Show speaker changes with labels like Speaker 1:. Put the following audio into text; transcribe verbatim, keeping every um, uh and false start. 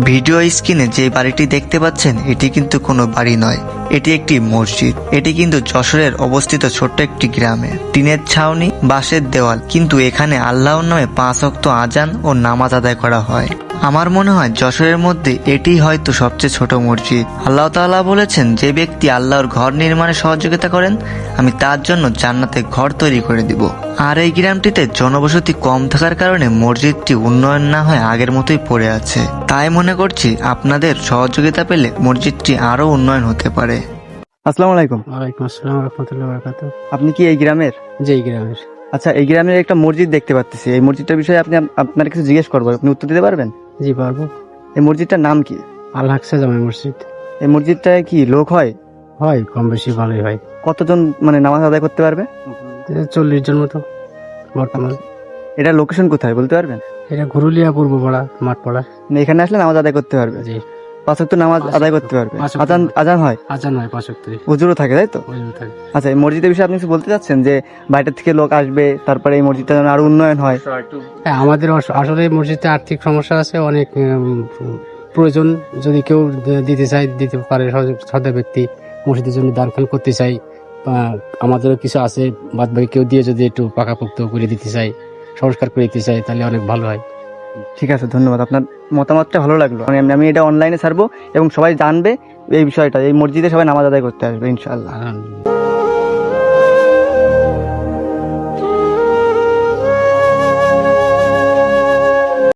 Speaker 1: Video স্ক্রিনে যে বাড়িটি দেখতে পাচ্ছেন এটি কিন্তু কোনো বাড়ি নয়, এটি একটি মসজিদ। এটি কিন্তু যশোরের অবস্থিত ছোট্ট একটি গ্রামে। টিনের ছাউনি, বাঁশের দেওয়াল, কিন্তু এখানে আল্লাহর নামে পাঁচ ওয়াক্ত আজান ও নামাজ আদায় করা হয়। আমার মনে হয় যশোরের মধ্যে এটি হয়তো সবচেয়ে ছোট মসজিদ। আল্লাহ তাআলা বলেছেন, যে ব্যক্তি আল্লাহর ঘর নির্মাণে সহযোগিতা করেন আমি তার জন্য জান্নাতে ঘর তৈরি করে দিব। আর এই গ্রামটিতে জনবসতি কম থাকার কারণে মসজিদটি উন্নয়ন না হয়ে আগের মতোই পড়ে আছে। তাই মনে করছি আপনাদের সহযোগিতা পেলে মসজিদটি আরো উন্নয়ন হতে পারে। আসসালামু আলাইকুম।
Speaker 2: ওয়ালাইকুম আসসালাম রাহমাতুল্লাহি ওয়া বারাকাতুহু।
Speaker 1: আপনি কি এই গ্রামের?
Speaker 2: জি, এই গ্রামের।
Speaker 1: আচ্ছা, এই গ্রামের একটা মসজিদ দেখতে পাচ্ছি। এই মসজিদটার বিষয়ে আপনি আপনার কিছু জিজ্ঞেস করবো, আপনি উত্তর দিতে পারবেন?
Speaker 2: জি, পারবো।
Speaker 1: এই মসজিদটার নাম কি?
Speaker 2: আল আকসা জামে মসজিদ।
Speaker 1: এই মসজিদটায় কি লোক হয়?
Speaker 2: হয়, কম বেশি ভালোই হয়।
Speaker 1: কতজন মানে নামাজ আদায় করতে পারবে?
Speaker 2: চল্লিশ জন মতো বর্তমান।
Speaker 1: এটা লোকেশন কোথায় বলতে পারবেন?
Speaker 2: এটা ঘুরুলিয়া পূর্বপাড়া, মাঠপাড়া।
Speaker 1: মানে এখানে আসলে নামাজ আদায় করতে পারবে?
Speaker 2: জি।
Speaker 1: পাঁচ ওয়াক্ত নামাজ
Speaker 2: পাঁচ
Speaker 1: আদায়
Speaker 2: ওয়াক্ত,
Speaker 1: করতে পারবে?
Speaker 2: পাঁচ ওয়াক্ত।
Speaker 1: আজান আজান হয়?
Speaker 2: আজান হয় পাঁচ ওয়াক্ত।
Speaker 1: হুজুরও থাকে, তাই তো?
Speaker 2: ওজু থাকে।
Speaker 1: আচ্ছা, এই মসজিদের বিষয়ে আপনি কিছু বলতে চাচ্ছেন যে বাইরে থেকে লোক আসবে, তারপরে এই মসজিদটা যেন আরো উন্নয়ন হয়?
Speaker 2: হ্যাঁ, আমাদের আস- আসলে এই মসজিদে আর্থিক সমস্যা আছে অনেক। উম, প্রয়োজন যদি কেউ দ- দিতে চায় দিতে পারে। সহজ- শ্রদ্ধা ব্যক্তি মসজিদের জন্য দান খান করতে চাই, বা আমাদেরও কিছু আছে বাদ বাকি কেউ দিয়ে যদি একটু পাকাপোক্ত করে দিতে চাই, সংস্কার করে দিতে চাই, তাহলে অনেক ভালো হয়।
Speaker 1: ঠিক আছে, ধন্যবাদ। আপনার মতামতটা ভালো লাগলো। আমি আমি এটা অনলাইনে ছাড়বো এবং সবাই জানবে এই বিষয়টা। এই মসজিদে সবাই নামাজ আদায় করতে আসবে ইনশাআল্লাহ।
Speaker 2: আলহামদুলিল্লাহ।